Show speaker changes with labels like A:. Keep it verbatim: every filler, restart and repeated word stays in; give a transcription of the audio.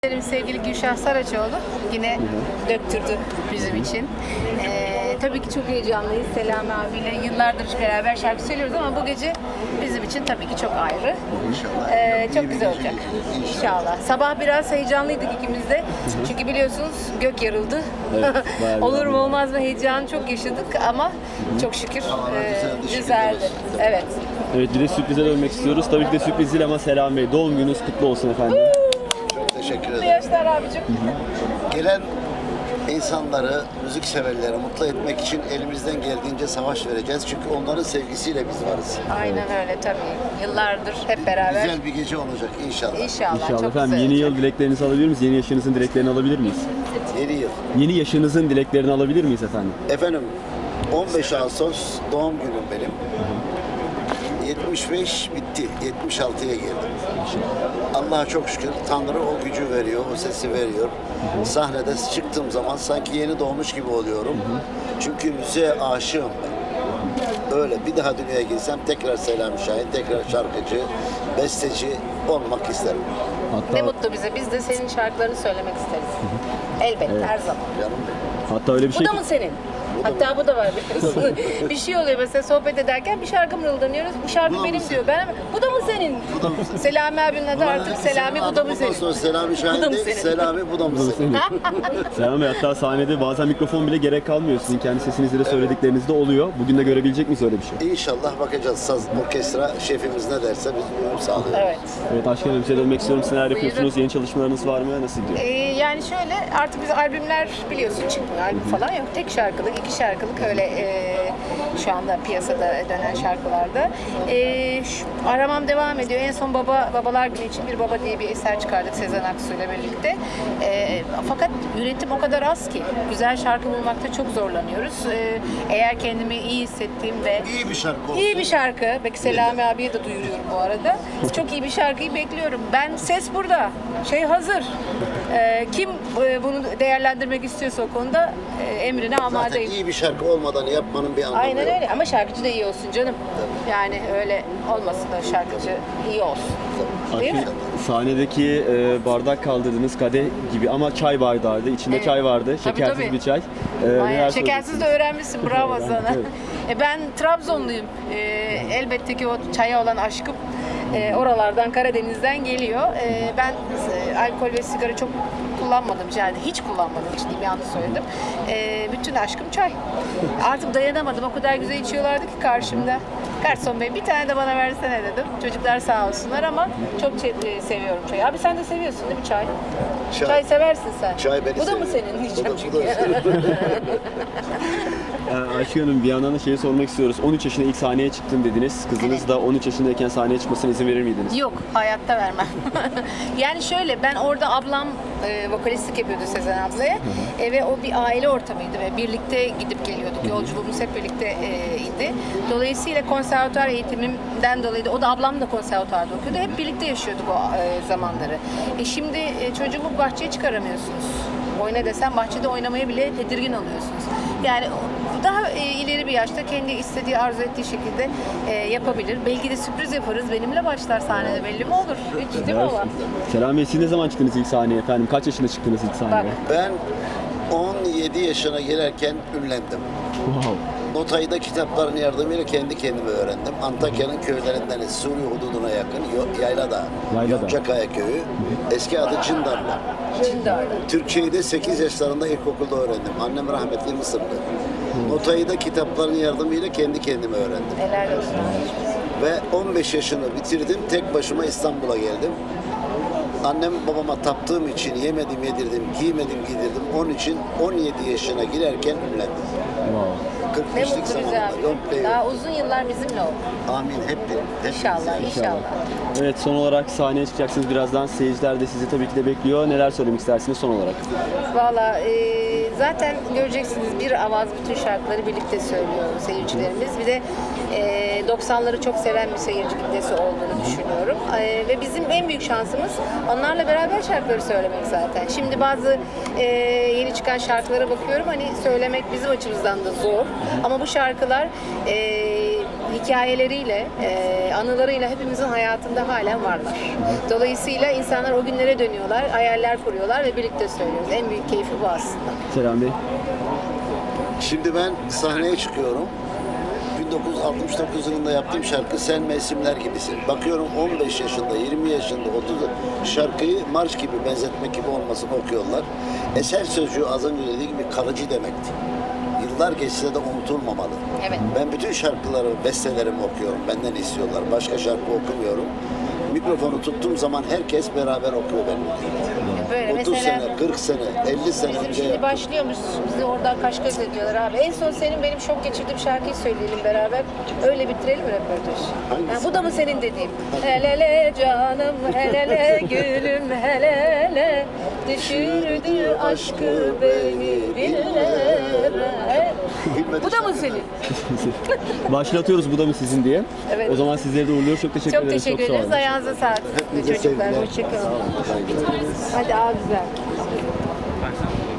A: Sevgili Gülşah Saraçoğlu yine döktürdü bizim için. Ee, tabii ki çok heyecanlıyız. Selami abiyle yıllardır beraber şarkı söylüyoruz ama bu gece bizim için tabii ki çok ayrı.
B: İnşallah.
A: Ee, çok
B: İyi bir
A: güzel
B: gece
A: olacak.
B: geçecek, inşallah.
A: İnşallah. Sabah biraz heyecanlıydık ikimiz de. Çünkü biliyorsunuz gök yarıldı.
C: Evet, bayağı bir
A: Olur mu
C: anladım.
A: olmaz mı heyecanı çok yaşadık ama çok şükür
B: Havalar
A: e,
B: güzeldi, şükür
A: güzeldi.
B: olsun.
A: Evet.
C: Evet, bir de sürprize dönmek istiyoruz. Tabii ki de sürpriz değil ama Selam Bey, doğum gününüz kutlu olsun efendim.
B: Çok teşekkür
A: Mutlu
B: ederim.
A: yaşlar abicim.
B: Gelen insanları, müzik severleri mutlu etmek için elimizden geldiğince savaş vereceğiz. Çünkü onların sevgisiyle biz varız.
A: Aynen öyle tabii. Yıllardır hep beraber.
B: Güzel bir gece olacak inşallah.
A: İnşallah.
C: İnşallah
A: çok
C: efendim.
A: güzel
C: Yeni
A: olacak.
C: yıl dileklerinizi alabilir miyiz? Yeni yaşınızın dileklerini alabilir miyiz?
B: Yeni yıl.
C: Yeni yaşınızın dileklerini alabilir miyiz efendim?
B: Efendim on beş Ağustos doğum günüm benim. yetmiş beş bitti. yetmiş altıya girdim. Allah'a çok şükür Tanrı o gücü veriyor, o sesi veriyor. Sahnede çıktığım zaman sanki yeni doğmuş gibi oluyorum. Çünkü müziğe aşığım ben. Öyle bir daha dünyaya girsem tekrar Selami Şahin, tekrar şarkıcı, besteci olmak isterim.
C: Hatta
A: Ne mutlu bize. Biz de senin şarkılarını söylemek isteriz. Elbette her zaman.
B: Canım benim.
C: hatta öyle bir
A: Bu
C: şey
A: da mı senin? Hatta bu da var biliyorsun. Bir şey oluyor mesela sohbet ederken bir şarkı mırıldanıyoruz. Bu şarkı
B: Bu da mı
A: benim
B: senin?
A: diyor. Ben bu da mı senin?
B: Bu da mı senin?
A: Selami abinin adı artık Selami bu da mı
B: Bundan
A: senin?
B: sonra Selami
A: Bu
B: Şahin
A: da mı
B: değil,
A: senin?
B: Selami bu da mı senin?
C: Selam Bey, hatta sahnede bazen mikrofon bile gerek kalmıyor. Sizin kendi sesinizle de söyledikleriniz de oluyor. Bugün de görebilecek miyiz öyle bir şey?
B: İnşallah bakacağız. Saz orkestra şefimiz ne derse biz uyum sağlıyoruz.
A: Evet.
C: Evet, Aşk Hanım, size dönmek istiyorum. Siz neler
A: Buyurun.
C: yapıyorsunuz? Yeni çalışmalarınız var mı? Nasıl gidiyor?
A: Ee, yani şöyle artık biz albümler biliyorsun çıkmıyor. Albüm falan yok. Tek şarkılık, iki şarkılık öyle e, şu anda piyasada dönen şarkılarda. E, şu- aramam devam ediyor. En son Baba Babalar Günü için Bir Baba diye bir eser çıkardık Sezen Aksu ile birlikte. E, fakat üretim o kadar az ki. Güzel şarkı bulmakta çok zorlanıyoruz. E, eğer kendimi iyi hissettiğim ve
B: İyi bir şarkı olsun.
A: İyi bir şarkı. Belki Selami abiye de duyuruyorum bu arada. Çok iyi bir şarkıyı bekliyorum. Ben ses burada. Şey hazır. Ee, kim e, bunu değerlendirmek istiyorsa o konuda e, emrine
B: Zaten
A: amadeyim.
B: iyi bir şarkı olmadan yapmanın bir anlamı
A: Aynen
B: yok.
A: öyle ama şarkıcı da iyi olsun canım. Yani öyle olmasın da şarkıcı iyi olsun. Değil mi?
C: Aslında sahnedeki e, bardak kaldırdığınız kadeh gibi ama çay bardağıydı. İçinde
A: Evet.
C: çay vardı.
A: Tabii,
C: Şekersiz
A: tabii.
C: bir çay. E,
A: Aynen.
C: neler
A: Şekersiz de öğrenmişsin. Bravo
C: Evet,
A: sana.
C: evet.
A: E, ben Trabzonluyum. E, elbette ki o çaya olan aşkım e, oralardan, Karadeniz'den geliyor. E, ben e, alkol ve sigara çok kullanmadım. Yani hiç kullanmadım. Hiç değil, yanlış söyledim. E, bütün aşkım çay. Artık dayanamadım. O kadar güzel içiyorlardı ki karşımda. Garson Bey bir tane de bana versene dedim. Çocuklar sağ olsunlar ama çok çe- e, seviyorum çayı. Abi sen de seviyorsun değil mi çay?
B: Çay.
A: Çay seversin sen.
B: Çay beni
A: Bu da mı
B: seviyor.
A: senin
B: Bu
A: diyeceğim
B: da- bu
A: çünkü.
B: da-
C: Ee, Ayşe Hanım, bir yandan da şeyi sormak istiyoruz. on üç yaşında ilk sahneye çıktım dediniz. Kızınız
A: Evet.
C: da on üç yaşındayken sahneye çıkmasına izin verir miydiniz?
A: Yok, hayatta vermem. Yani şöyle, ben orada ablam e, vokalistlik yapıyordu Sezen ablaya E, ve o bir aile ortamıydı ve birlikte gidip geliyorduk. Yolculuğumuz hep birlikte e, idi. Dolayısıyla konservatuar eğitimimden dolayı da o da ablam da konservatuarda okuyordu. Hep birlikte yaşıyorduk o e, zamanları. E, şimdi e, çocuğumu bahçeye çıkaramıyorsunuz. Oyna desem bahçede oynamaya bile tedirgin oluyorsunuz. Yani daha e, ileri bir yaşta kendi istediği, arzu ettiği şekilde e, yapabilir. Belki de sürpriz yaparız. Benimle başlar sahnede, belli mi olur? Hiç değil mi baba?
C: Selam Bey, siz ne zaman çıktınız ilk sahneye efendim? Kaç yaşında çıktınız ilk sahneye?
A: Bak.
B: Ben on yedi yaşına gelirken ünlendim.
C: Wow.
B: Notay'da kitapların yardımıyla kendi kendime öğrendim. Antakya'nın köylerinden Suriye hududuna yakın Yo- Yaylada,
C: Yaylada.
B: Yoncakaya köyü. Eski adı Cindarlı.
A: Cindarlı.
B: Türkçeyi de sekiz yaşlarında ilkokulda öğrendim. Annem rahmetli Mısırlı. Notayı da kitapların yardımıyla kendi kendime öğrendim.
A: Helal olsun.
B: Ve on beş yaşını bitirdim. Tek başıma İstanbul'a geldim. Annem babama taptığım için yemedim yedirdim, giymedim giydirdim. Onun için on yedi yaşına girerken ünlendim.
C: Wow.
B: kırk
A: Ne
B: beşlik
A: mutlu bize
B: zamanında.
A: abi.
B: Yok be yok.
A: Daha uzun yıllar bizimle ol.
B: Amin hep benim. Hep
A: İnşallah,
B: bize.
A: inşallah.
C: Evet, son olarak sahneye çıkacaksınız birazdan. Seyirciler de sizi tabii ki de bekliyor. Neler söylemek istersiniz son olarak?
A: Valla e, zaten göreceksiniz bir avaz bütün şarkıları birlikte söylüyor seyircilerimiz. Bir de e, doksanları çok seven bir seyirci kitlesi olduğunu düşünüyorum. E, ve bizim en büyük şansımız onlarla beraber şarkıları söylemek zaten. Şimdi bazı e, yeni çıkan şarkılara bakıyorum hani söylemek bizim açımızdan da zor. Ama bu şarkılar e, hikayeleriyle, e, anılarıyla hepimizin hayatında halen varlar. Dolayısıyla insanlar o günlere dönüyorlar, hayaller kuruyorlar ve birlikte söylüyoruz. En büyük keyfi bu aslında.
C: Selami Bey.
B: Şimdi ben sahneye çıkıyorum. bin dokuz yüz altmış dokuz yılında yaptığım şarkı Sen Mevsimler Gibisin. Bakıyorum on beş yaşında, yirmi yaşında, otuz şarkıyı marş gibi, benzetmek gibi olmasını okuyorlar. Eser sözcüğü az önce dediği gibi kalıcı demekti. Yıllar geçse de unutulmamalı.
A: Evet.
B: Ben bütün şarkıları, bestelerimi okuyorum. Benden istiyorlar. Başka şarkı okumuyorum. Mikrofonu tuttuğum zaman herkes beraber okuyor benim.
A: Böyle
B: otuz
A: mesela
B: sene, kırk sene, elli sene
A: bizim
B: önce
A: şimdi
B: yaptım.
A: başlıyormuş, bizi oradan kaş göz ediyorlar abi. En son senin benim şok geçirdiğim şarkıyı söyleyelim beraber. Öyle bitirelim mi röportajı?
B: Hangisi?
A: Ha, bu da mı senin dediğim? Helele canım, helele gülüm, helele düşürdü aşkı beni dillere.
B: Bilmedi
A: Bu da mı
B: şarkı.
A: senin?
C: Başlatıyoruz bu da mı sizin diye.
A: Evet.
C: O zaman sizleri de uğurluyoruz. Çok teşekkür
A: Çok
C: ederiz.
A: teşekkür
C: sağ
A: ederiz.
C: olun.
A: Ayağınıza sağlık.
B: Hepinize
A: Çocuklar,
B: sevgiler.
A: hoşçakalın.
B: Sağ olun. Saygılar.
A: Hadi abi güzel.